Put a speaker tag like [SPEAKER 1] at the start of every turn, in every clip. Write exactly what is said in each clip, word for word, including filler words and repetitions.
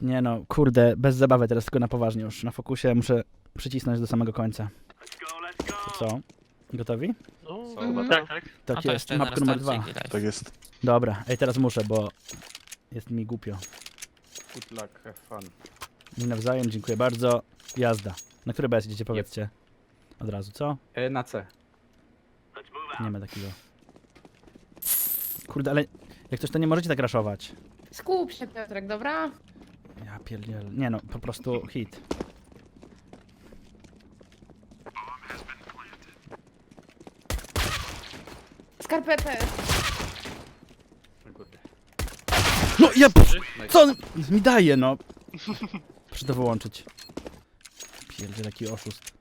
[SPEAKER 1] Nie no, kurde, bez zabawy teraz, tylko na poważnie już. Na fokusie muszę przycisnąć do samego końca. To co? Gotowi?
[SPEAKER 2] No,
[SPEAKER 3] Co?
[SPEAKER 2] chyba tak, tak.
[SPEAKER 1] Tak
[SPEAKER 4] No to
[SPEAKER 1] jest,
[SPEAKER 4] jeszcze
[SPEAKER 1] mapka numer dwa.
[SPEAKER 4] restarcik i live.
[SPEAKER 3] Tak jest.
[SPEAKER 1] Dobra, ej, teraz muszę, bo jest mi głupio.
[SPEAKER 5] Good luck, have fun.
[SPEAKER 1] Mi nawzajem, dziękuję bardzo. Jazda. Na które B S idziecie, powiedzcie? Od razu, co?
[SPEAKER 5] E, na C.
[SPEAKER 1] Nie ma takiego. Kurde, ale jak coś to nie możecie tak raszować.
[SPEAKER 6] Skup się, Piotrek, dobra?
[SPEAKER 1] Ja pierdziel. Nie no, po prostu hit.
[SPEAKER 6] Skarpetę.
[SPEAKER 5] Kurde.
[SPEAKER 1] No ja... Co on mi daje, no? Muszę to wyłączyć. Pierdziel, jaki oszust.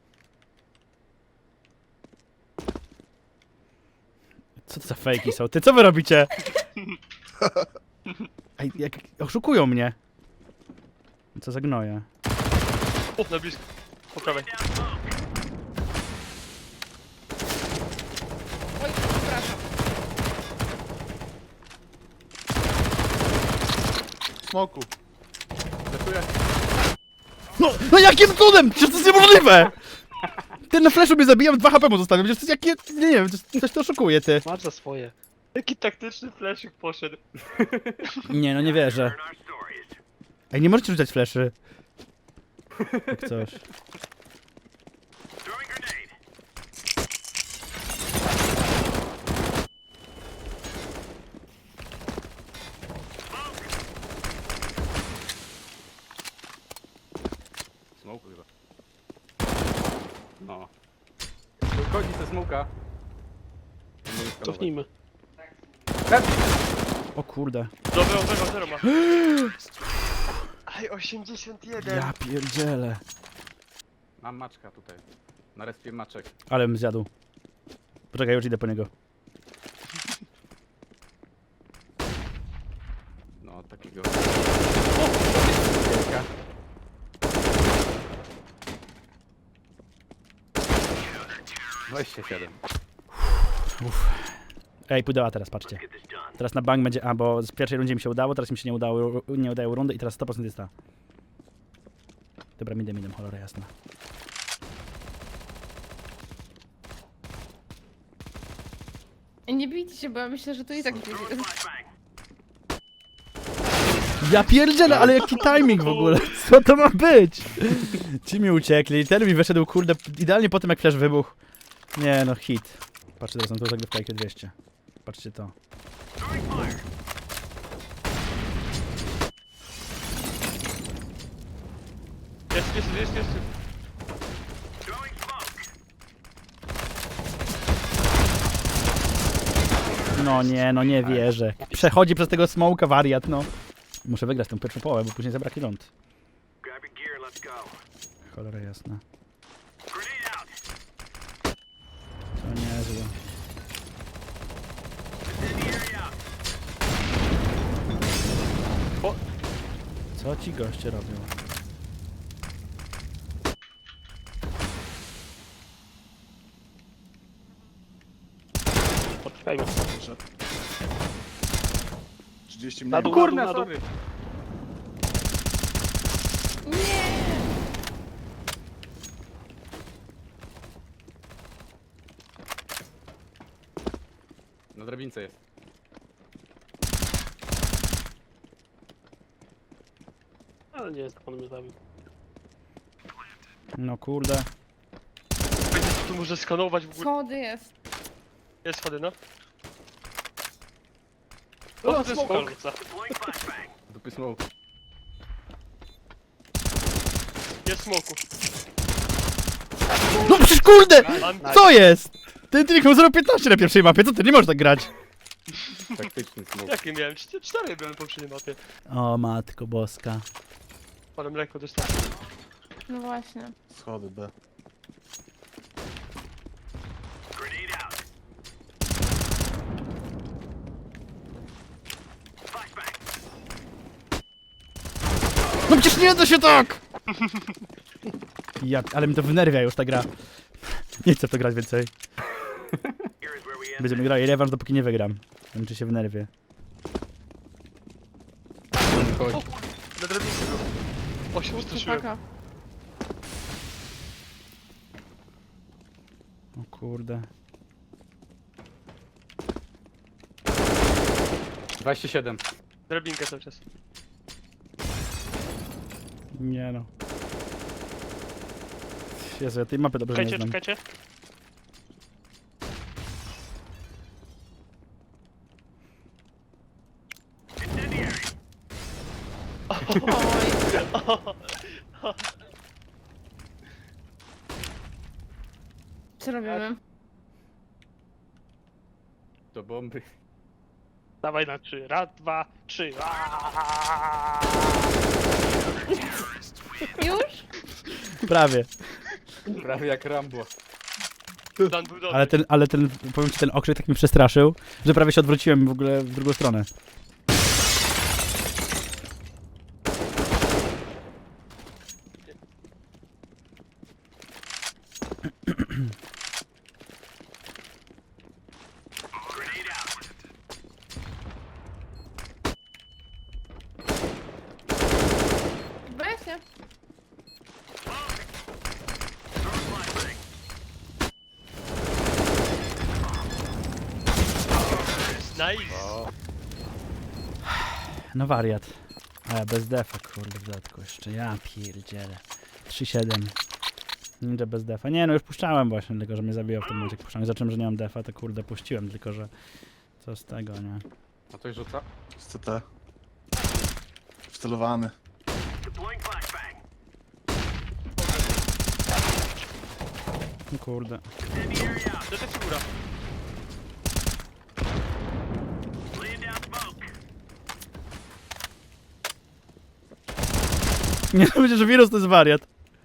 [SPEAKER 1] Co to za fejki są? Ty, co wy robicie? Ej, jak oszukują mnie. Co za gnoje.
[SPEAKER 2] O, na blisko. Po prawej.
[SPEAKER 6] Oj, przepraszam.
[SPEAKER 3] Smoku.
[SPEAKER 5] Leczuję.
[SPEAKER 1] No, no jakim cudem? Przecież to jest niemożliwe! Ten na flashu mnie zabija, dwa H P mu zostawiam. Przecież to jest jakie... Nie wiem, coś, coś to oszukuje, ty.
[SPEAKER 2] Masz za swoje. Jaki taktyczny fleszyk poszedł.
[SPEAKER 1] Nie, no nie wierzę. Ej, nie możecie rzucać fleszy. Jak coś.
[SPEAKER 5] Smoke chyba. No. Wychodzi ze smoka.
[SPEAKER 2] Cofnijmy.
[SPEAKER 1] O kurde.
[SPEAKER 2] Dobra, zero, zero ma. Aj, osiemdziesiąt jeden.
[SPEAKER 1] Ja pierdzielę.
[SPEAKER 5] Mam maczka tutaj. Na respie maczek.
[SPEAKER 1] Ale bym zjadł. Poczekaj, już idę po niego.
[SPEAKER 5] No, takiego. dwadzieścia siedem.
[SPEAKER 1] Ej, pudeła teraz, patrzcie. Teraz na bank będzie... A, bo z pierwszej rundzie mi się udało, teraz mi się nie udało, nie udają rundy i teraz sto procent jest ta. Dobra, midem, midem, cholera jasna.
[SPEAKER 6] Ej, nie bijcie się, bo ja myślę, że tu i tak będzie.
[SPEAKER 1] Ja pierdzielę, ale jaki timing w ogóle? Co to ma być? Ci mi uciekli, ten mi wyszedł, kurde, idealnie po tym jak flash wybuchł. Nie no, hit. Patrzcie, teraz na tą zagrywkę I Q dwieście. Patrzcie to.
[SPEAKER 2] Jest, jest, jest, jest.
[SPEAKER 1] No nie, no nie wierzę. Przechodzi przez tego smoka wariat, no. Muszę wygrać tę pierwszą połowę, bo później zabraknie rund. Cholera jasna. To niezłe.
[SPEAKER 2] O!
[SPEAKER 1] Co ci goście robią?
[SPEAKER 2] Poczekajmy.
[SPEAKER 3] trzydzieści
[SPEAKER 2] Na
[SPEAKER 3] mniej.
[SPEAKER 2] dół,
[SPEAKER 5] Kurna,
[SPEAKER 2] na dół.
[SPEAKER 5] sorry.
[SPEAKER 6] Nie!
[SPEAKER 5] Na drabince jest.
[SPEAKER 2] Ale nie jest, jak on mnie zabił.
[SPEAKER 1] No kurde.
[SPEAKER 2] Będzie tu może skanować w ogóle.
[SPEAKER 6] Schody jest.
[SPEAKER 2] Jest schody, no.
[SPEAKER 5] O,
[SPEAKER 2] O, to jest
[SPEAKER 5] smoke.
[SPEAKER 2] smoke.
[SPEAKER 5] Dupy smoke.
[SPEAKER 2] Jest smoku.
[SPEAKER 1] No przecież kurde!
[SPEAKER 2] Mam
[SPEAKER 1] Co jest? Ten trik miał zero piętnaście na pierwszej mapie, co ty? Nie możesz tak grać.
[SPEAKER 5] Taktyczny smoke.
[SPEAKER 2] Jakie miałem? Cztery, cztery byłem po poprzedniej mapie.
[SPEAKER 1] O matko boska.
[SPEAKER 2] Ale mleko dostałem.
[SPEAKER 6] No właśnie.
[SPEAKER 3] Schody B.
[SPEAKER 1] No przecież nie da się tak! Ja, ale mi to wynerwia już ta gra. Nie chcę w to grać więcej. Będziemy grali rewanż, dopóki nie wygram. Nie wiem, czy się wynerwię.
[SPEAKER 5] Chodź.
[SPEAKER 2] Na drabince był. O, się ustraszyłem.
[SPEAKER 6] Chłopaka.
[SPEAKER 1] O kurde.
[SPEAKER 5] dwadzieścia siedem.
[SPEAKER 2] Drabinkę cały czas.
[SPEAKER 1] Nie no. Jezu, ja tej mapy dobrze nie
[SPEAKER 2] Czekajcie,
[SPEAKER 1] znam.
[SPEAKER 2] czekajcie.
[SPEAKER 6] Oj. Co robimy?
[SPEAKER 5] Do bomby.
[SPEAKER 2] Dawaj na trzy. Raz, dwa, trzy.
[SPEAKER 6] Już?
[SPEAKER 1] Prawie.
[SPEAKER 5] Prawie jak Rambo.
[SPEAKER 2] Dan był dobry.
[SPEAKER 1] Ale ten, ale ten, powiem ci, ten okrzyk tak mnie przestraszył, że prawie się odwróciłem w ogóle w drugą stronę.
[SPEAKER 6] Weźcie.
[SPEAKER 2] Nice.
[SPEAKER 1] No wariat. A ja bez defa, kurde, w dodatku jeszcze. Ja pierdzielę. trzy siedem. Ninja bez defa. Nie no, już puszczałem właśnie, tylko że mnie zabijał w tym momencie. jak Puszczałem. Zacząłem, że nie mam defa, to kurde puściłem, tylko że... Co z tego, nie?
[SPEAKER 5] A coś rzuca?
[SPEAKER 3] Z C T. Wcelowany.
[SPEAKER 1] No kurde.
[SPEAKER 2] Detektyw góra.
[SPEAKER 1] Nie no, myślę, że wirus to jest wariat.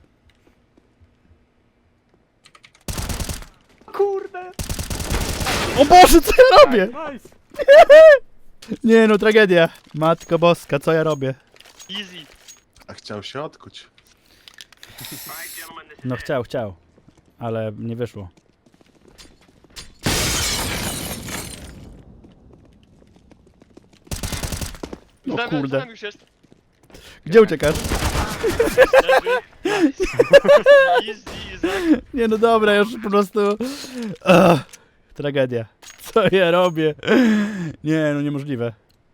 [SPEAKER 2] Kurde.
[SPEAKER 1] O Boże, co ja robię?
[SPEAKER 5] Nice!
[SPEAKER 1] Nie no, tragedia. Matko boska, co ja robię?
[SPEAKER 2] Easy.
[SPEAKER 3] A chciał się odkuć.
[SPEAKER 1] No chciał, chciał. Ale nie wyszło. No
[SPEAKER 2] Tam-
[SPEAKER 1] kurde.
[SPEAKER 2] Tam już jest.
[SPEAKER 1] Gdzie uciekasz?
[SPEAKER 2] Leży. Nice. Easy, Izak.
[SPEAKER 1] Nie no dobra, już po prostu... Ugh, tragedia. Co ja robię? Nie no, niemożliwe.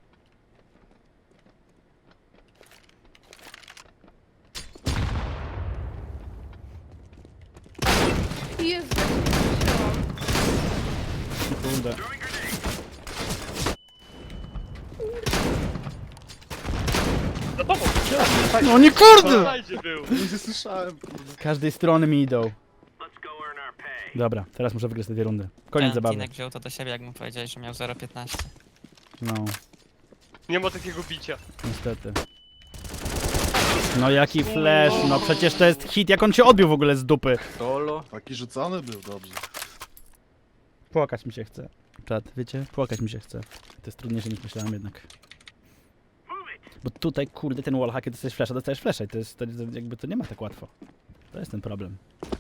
[SPEAKER 6] Jezu, jak się wzięłam.
[SPEAKER 1] Kurde.
[SPEAKER 2] Za tobą.
[SPEAKER 1] No nie kurde!
[SPEAKER 2] Znajdzie był.
[SPEAKER 3] Nie słyszałem, kurde.
[SPEAKER 1] Z każdej strony mi idą. Dobra, teraz muszę wygrać te dwie rundy. Koniec
[SPEAKER 4] Ten
[SPEAKER 1] zabawy.
[SPEAKER 4] Tinek wziął to do siebie, jak mu powiedziałeś, że miał zero piętnaście.
[SPEAKER 1] No,
[SPEAKER 2] Nie ma takiego bicia.
[SPEAKER 1] niestety. No jaki flash, no przecież to jest hit, jak on się odbił w ogóle z dupy.
[SPEAKER 5] Solo.
[SPEAKER 3] Taki rzucony był, dobrze.
[SPEAKER 1] Płakać mi się chce. Czad, wiecie? Płakać mi się chce. To jest trudniejsze niż myślałem jednak. Bo tutaj, kurde, ten wallhack, kiedy dostajesz flasha, dostajesz flasha i to jest, to, to, jakby to nie ma tak łatwo. To jest ten problem.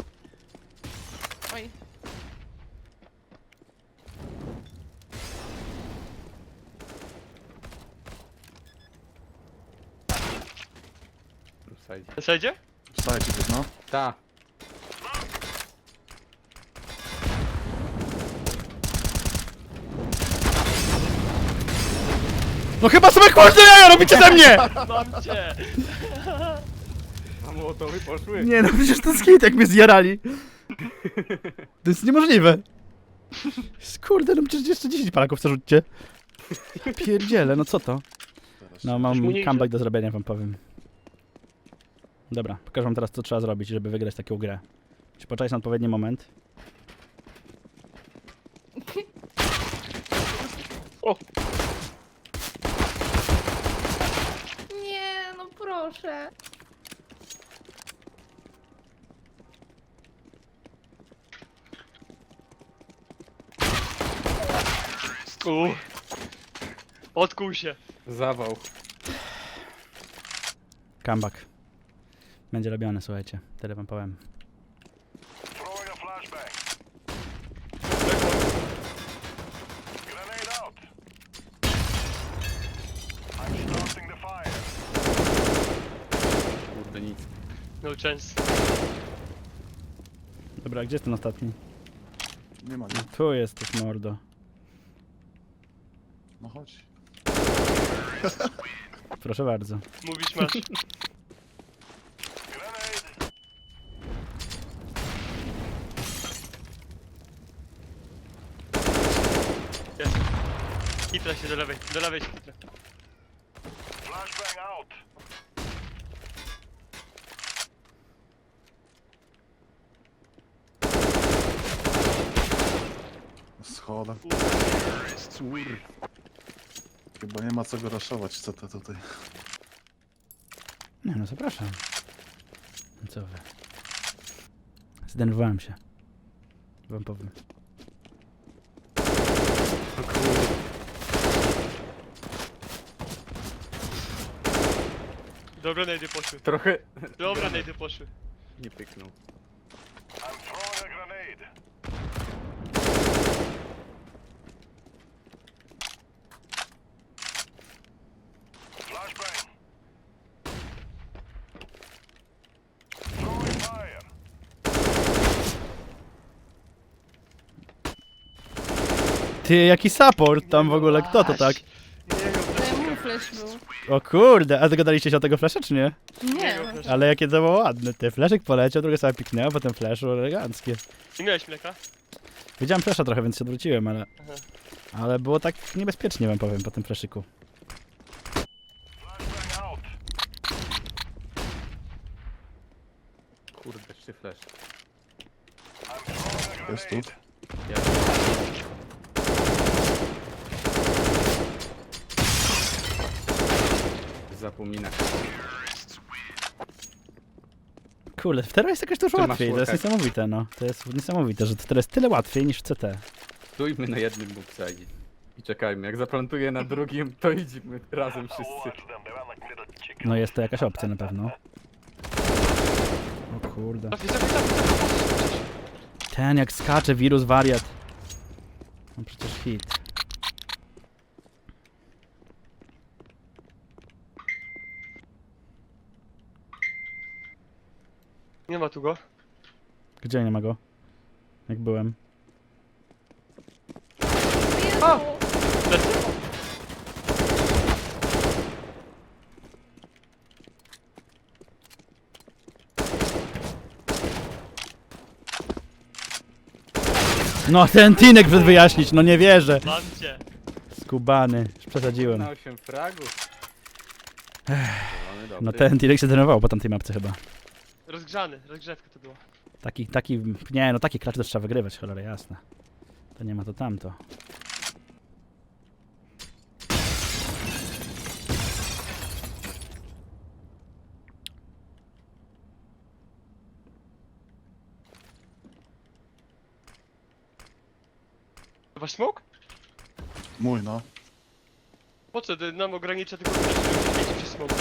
[SPEAKER 6] Oj.
[SPEAKER 5] Wsajdź.
[SPEAKER 2] Sejdzie?
[SPEAKER 3] Wstajcie go, no.
[SPEAKER 5] Ta.
[SPEAKER 1] No chyba sobie kurde jaja robicie ze mnie!
[SPEAKER 2] Mam cię.
[SPEAKER 5] A mołotowy poszły.
[SPEAKER 1] Nie no, przecież to jest hit, jak mnie zjarali. To jest niemożliwe. Kurde, no przecież jeszcze dziesięć palaków co rzućcie. Ja pierdzielę, no co to?
[SPEAKER 3] Teraz
[SPEAKER 1] No
[SPEAKER 3] się-
[SPEAKER 1] mam
[SPEAKER 2] mu nie
[SPEAKER 1] comeback
[SPEAKER 2] idzie.
[SPEAKER 1] do zrobienia, wam powiem. Dobra, pokażę wam teraz co trzeba zrobić, żeby wygrać taką grę. Czy poczekać na odpowiedni moment?
[SPEAKER 2] O.
[SPEAKER 6] Nie, no proszę.
[SPEAKER 2] U. Odkuł się.
[SPEAKER 5] Zawał.
[SPEAKER 1] Comeback. Będzie robione, słuchajcie. Tyle wam powiem.
[SPEAKER 2] No chance.
[SPEAKER 1] Dobra, gdzie jest ten ostatni?
[SPEAKER 3] Nie ma, nie.
[SPEAKER 1] Tu jesteś, mordo.
[SPEAKER 3] No chodź.
[SPEAKER 1] Proszę bardzo.
[SPEAKER 2] Mówisz masz. Jest. Hitra się do lewej, do lewej się hitra.
[SPEAKER 3] Schoda. Chyba nie ma co go raszować, co to tutaj.
[SPEAKER 1] Nie no, zapraszam. No co wy? Zdenerwowałem się. Wam powiem.
[SPEAKER 2] Dobra, najdy poszły.
[SPEAKER 5] Trochę
[SPEAKER 2] Dobra, najdy poszły.
[SPEAKER 5] nie pyknął.
[SPEAKER 1] Ty, jaki support tam w ogóle, kto to tak?
[SPEAKER 2] Nie miał
[SPEAKER 6] To
[SPEAKER 2] fleszka.
[SPEAKER 6] mój flash był.
[SPEAKER 1] O kurde, a dogadaliście się o tego flasha, czy nie?
[SPEAKER 2] Nie
[SPEAKER 6] Nie.
[SPEAKER 2] miał fleszka.
[SPEAKER 1] Ale jakie to było ładne, ty. Fleszek poleciał, drugie sobie piknęło, potem flashu, eleganckie.
[SPEAKER 2] Nie miałeś mleka?
[SPEAKER 1] Widziałem flasha trochę, więc się odwróciłem, ale...
[SPEAKER 2] Aha.
[SPEAKER 1] Ale było tak niebezpiecznie, wam powiem, po tym flaszyku.
[SPEAKER 5] Kurde, jeszcze flash.
[SPEAKER 3] Jest tu.
[SPEAKER 5] Ja. Zapomina.
[SPEAKER 1] Kurde, teraz jest jakoś dużo
[SPEAKER 5] Ty masz
[SPEAKER 1] łatwiej, to jest
[SPEAKER 5] worka.
[SPEAKER 1] niesamowite, no. To jest niesamowite, że to teraz jest tyle łatwiej niż w C T.
[SPEAKER 5] Stójmy na jednym bookside. I czekajmy, jak zaplantuję na drugim, to idziemy razem wszyscy.
[SPEAKER 1] No jest to jakaś opcja na pewno. O kurde.
[SPEAKER 2] Trafi, trafi, trafi, trafi.
[SPEAKER 1] Ten jak skacze, wirus, wariat. No przecież hit.
[SPEAKER 2] Nie ma tu go.
[SPEAKER 1] Gdzie nie ma go? Jak byłem.
[SPEAKER 6] O!
[SPEAKER 2] Plecy.
[SPEAKER 1] No ten Tinek przed wyjaśnić, no nie wierzę.
[SPEAKER 2] Mam cię.
[SPEAKER 1] Skubany, już przesadziłem.
[SPEAKER 5] Na osiem fragów. Zielony, dobry.
[SPEAKER 1] No ten Tinek się denerwował po tamtej mapce chyba.
[SPEAKER 2] Rozgrzany, rozgrzewka to była.
[SPEAKER 1] Taki, taki, nie no taki klacz też trzeba wygrywać, cholera jasna. To nie ma to tamto.
[SPEAKER 2] Wasz smok?
[SPEAKER 3] Mój, no.
[SPEAKER 2] Po co? To nam ogranicza tylko pięć przez smok.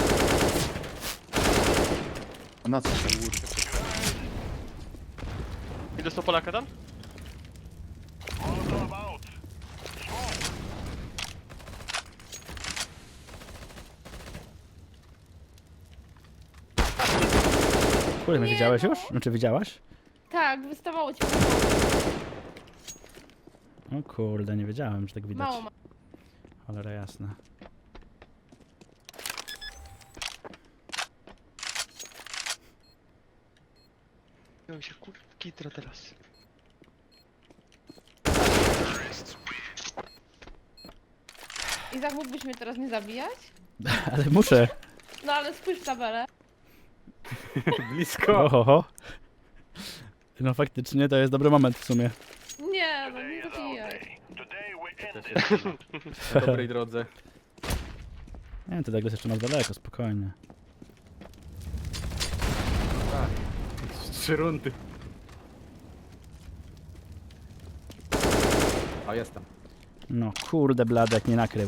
[SPEAKER 3] A na co?
[SPEAKER 2] I dostał Polaka tam?
[SPEAKER 1] Kurde, mnie
[SPEAKER 6] Nie
[SPEAKER 1] widziałeś
[SPEAKER 6] no.
[SPEAKER 1] już? Znaczy widziałaś?
[SPEAKER 6] Tak, wystawało ci
[SPEAKER 1] O kurde, nie wiedziałem, że tak widać.
[SPEAKER 6] mało ma.
[SPEAKER 1] Cholera jasna.
[SPEAKER 2] Miał się kur... kitra teraz.
[SPEAKER 6] Izak, mógłbyś mnie teraz nie zabijać?
[SPEAKER 1] Ale muszę.
[SPEAKER 6] No ale spójrz w tabelę.
[SPEAKER 5] Blisko.
[SPEAKER 1] Ohoho. No faktycznie to jest dobry moment w sumie.
[SPEAKER 6] Nie, no nie zabijaj.
[SPEAKER 5] Też jestem na dobrej drodze.
[SPEAKER 1] Nie, to Douglas jeszcze ma daleko, spokojnie.
[SPEAKER 5] Tak. Trzy rundy. O, jestem.
[SPEAKER 1] No kurde blady, jak nie nakrył.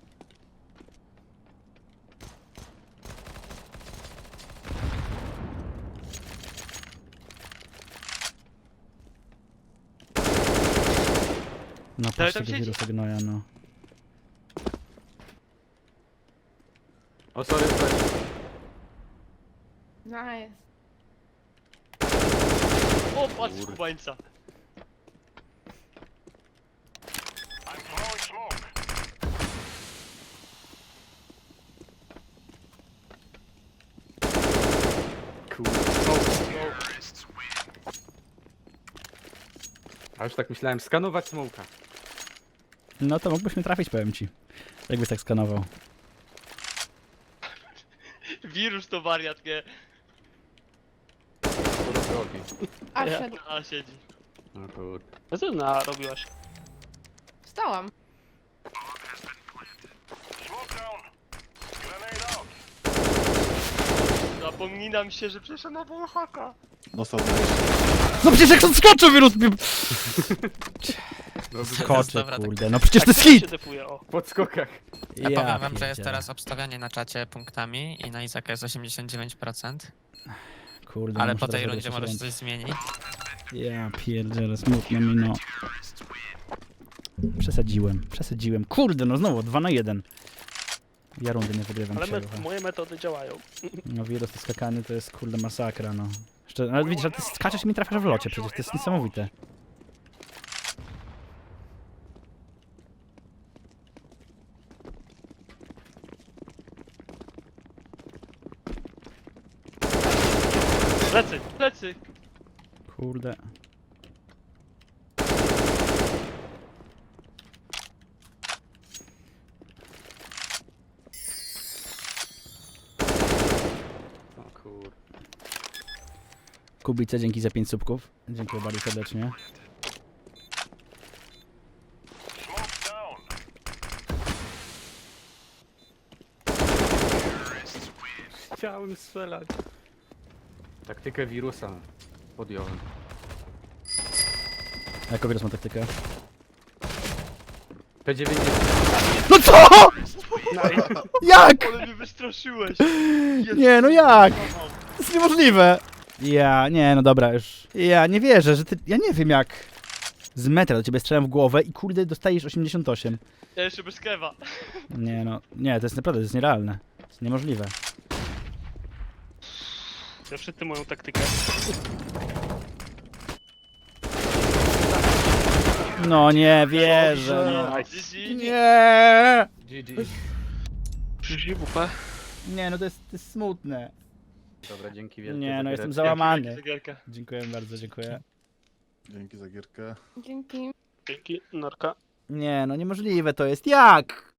[SPEAKER 1] No
[SPEAKER 2] Ale
[SPEAKER 1] patrz
[SPEAKER 2] tam
[SPEAKER 1] tego
[SPEAKER 2] siedzi.
[SPEAKER 1] wirusa gnoja, no.
[SPEAKER 5] O, sorry, flash.
[SPEAKER 6] Nice.
[SPEAKER 2] O, patrz kubańca.
[SPEAKER 5] Kurde. A już tak myślałem, skanować smoka.
[SPEAKER 1] No to mógłbyś mnie trafić, powiem ci. Jakbyś tak skanował.
[SPEAKER 2] Wirus to wariat, nie?
[SPEAKER 5] Skoro drogi.
[SPEAKER 6] A,
[SPEAKER 2] Ja.
[SPEAKER 6] szedł.
[SPEAKER 2] A, siedzi.
[SPEAKER 5] No kurde.
[SPEAKER 7] Co ty narobiłaś?
[SPEAKER 6] Wstałam.
[SPEAKER 2] Zapominam się, że przeszedł na Wallhacka.
[SPEAKER 3] Dostał dwadzieścia.
[SPEAKER 1] No przecież jak on skoczył, wirus mi...
[SPEAKER 5] Dobrze.
[SPEAKER 1] Skoczy,
[SPEAKER 4] Dobra, tak.
[SPEAKER 1] kurde, no przecież to jest
[SPEAKER 7] Tak
[SPEAKER 1] hit!
[SPEAKER 7] się defuje, o.
[SPEAKER 5] W podskokach.
[SPEAKER 4] Ja powiem wam, że jest
[SPEAKER 1] pierdzielę.
[SPEAKER 4] teraz obstawianie na czacie punktami i na Izaka jest osiemdziesiąt dziewięć procent,
[SPEAKER 1] Kurde,
[SPEAKER 4] ale
[SPEAKER 1] muszę
[SPEAKER 4] po tej
[SPEAKER 1] teraz
[SPEAKER 4] rundzie
[SPEAKER 1] robić
[SPEAKER 4] może się
[SPEAKER 1] jeszcze
[SPEAKER 4] coś zmienić.
[SPEAKER 1] Ja pierdzielę, smutno mi, no. Przesadziłem, przesadziłem. Kurde, no znowu, dwa na jeden. Ja rundy nie wygrywam
[SPEAKER 7] Ale
[SPEAKER 1] dzisiaj,
[SPEAKER 7] me
[SPEAKER 1] trochę.
[SPEAKER 7] moje metody działają.
[SPEAKER 1] No wirus to skakany to jest kurde masakra, no. Jeszcze, ale widzisz, że ty skaczesz i mi trafiasz w locie, przecież to jest niesamowite.
[SPEAKER 2] Plecy, plecy.
[SPEAKER 1] Kurde.
[SPEAKER 5] O kurde.
[SPEAKER 1] Kubice, dzięki za pięć subków. Dziękuję bardzo serdecznie.
[SPEAKER 5] Chciałem strzelać. Taktykę wirusa podjąłem.
[SPEAKER 1] Jako wirus ma taktykę.
[SPEAKER 5] P dziewięćdziesiąt.
[SPEAKER 1] No co?!
[SPEAKER 7] Nice.
[SPEAKER 1] Jak?!
[SPEAKER 2] Ale mnie wystraszyłeś.
[SPEAKER 1] Nie, no jak? To jest niemożliwe! Ja, nie, no dobra, już. Ja nie wierzę, że ty... Ja nie wiem jak... Z metra do ciebie strzelam w głowę i kurde dostajesz osiemdziesiąt osiem.
[SPEAKER 2] Ja jeszcze bez kewa.
[SPEAKER 1] Nie no, nie, to jest naprawdę, to jest nierealne. To jest niemożliwe.
[SPEAKER 7] Ja wszyscy moją taktykę.
[SPEAKER 1] No nie wierzę, no.
[SPEAKER 7] Nice.
[SPEAKER 2] G G.
[SPEAKER 1] Nie!
[SPEAKER 5] G G.
[SPEAKER 7] Przyjrzyj W P.
[SPEAKER 1] Nie, no to jest, to jest smutne.
[SPEAKER 5] Dobra, dzięki wielkie.
[SPEAKER 1] Nie,
[SPEAKER 5] za
[SPEAKER 1] no jestem
[SPEAKER 5] giereczkę.
[SPEAKER 1] załamany.
[SPEAKER 2] Zegarka.
[SPEAKER 1] Dziękuję bardzo, dziękuję.
[SPEAKER 3] Dzięki za gierkę.
[SPEAKER 6] Dzięki.
[SPEAKER 7] Dzięki, Norka.
[SPEAKER 1] Nie, no niemożliwe to jest. Jak?